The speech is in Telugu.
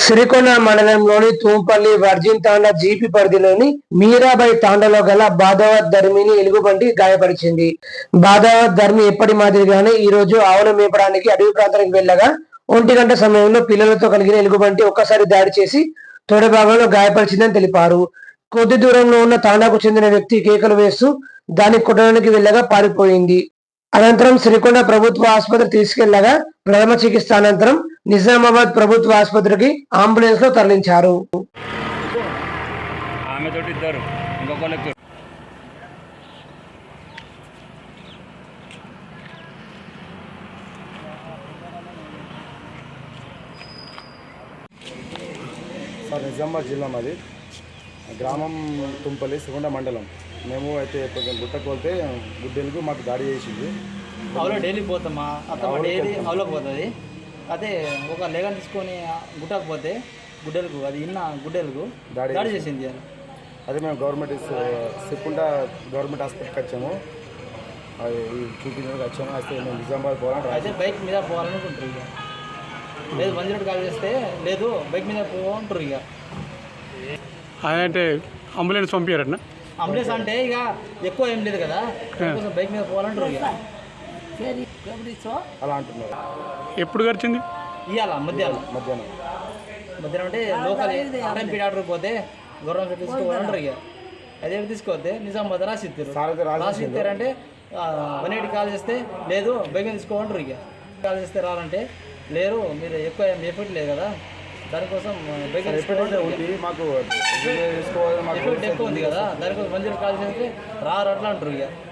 సిరికొండ మండలంలోని తూంపల్లి వర్జిన్ తాండా జీపీ పరిధిలోని మీరాబాయి తాండాలో గల బాదావత్ ధర్మిని ఎలుగుబంటి గాయపరిచింది. బాదావత్ ధర్మి ఎప్పటి మాదిరిగానే ఈ రోజు ఆవుల మేపడానికి అడవి ప్రాంతానికి వెళ్లగా 1 గంట సమయంలో పిల్లలతో కలిగిన ఎలుగుబంటి ఒక్కసారి దాడి చేసి తొడ భాగంలో గాయపరిచిందని తెలిపారు. కొద్ది దూరంలో ఉన్న తాండాకు చెందిన వ్యక్తి కేకలు వేస్తూ దాన్ని కొట్టడానికి వెళ్లగా పారిపోయింది. అనంతరం సిరికొండ ప్రభుత్వ ఆసుపత్రి తీసుకెళ్లగా ప్రథమ చికిత్స అనంతరం నిజామాబాద్ ప్రభుత్వ ఆసుపత్రికి అంబులెన్స్ లో తరలించారు. సార్ నిజామాబాద్ జిల్లా మాది గ్రామం తుంపల్లి సిరికొండ మండలం. మేము అయితే కొంచెం గుట్టకు పోతే గుడ్డెలుగు మాకు దాడి చేసింది. అవులో డైలీ పోతామా అతను డైలీ అవులోకి పోతుంది. అదే ఒక లేగన్ తీసుకొని గుట్టకు పోతే గుడ్డెలుగు అది ఇన్న గుడ్డెలుగు దాడి చేసింది. అదే మేము సిరికొండ గవర్నమెంట్ హాస్పిటల్కి వచ్చాము, అది చూపించడానికి వచ్చాము. అయితే మేము నిజామాబాద్ పోవాలని అయితే బైక్ మీద పోవాలనుకుంటారు. ఇక లేదు 108 కాల్ చేస్తే లేదు బైక్ మీద పోంటారు. ఇక అంటే అంబులెన్స్ పంపించారన్న. అంబులెన్స్ అంటే ఇక ఎక్కువ ఏం లేదు కదా, బైక్ మీద పోవాలంటారు. ఇక అలా అంటున్నారు. ఎప్పుడు గడిచింది? ఇవాళ మధ్యాహ్నం అంటే లోకల్ ఆర్ఎంపీ డాక్టర్ పోతే గవర్నమెంట్ తీసుకోవాలంటారు. ఇక అదే తీసుకోవద్దే నిజామాబాద్ రాసిస్తారు అంటే 108 కాల్ చేస్తే లేదు బైక్ మీద తీసుకోవాలంటారు. ఇక కాల్ చేస్తే రాలంటే లేరు, మీరు ఎక్కువ ఎఫెక్ట్ లేదు కదా, దానికోసం బైక్ మాకు ఎఫెక్ట్ ఎక్కువ ఉంది కదా, దానికోసం 108 కాల్ చేస్తే రారు అట్లా అంటారు. ఇక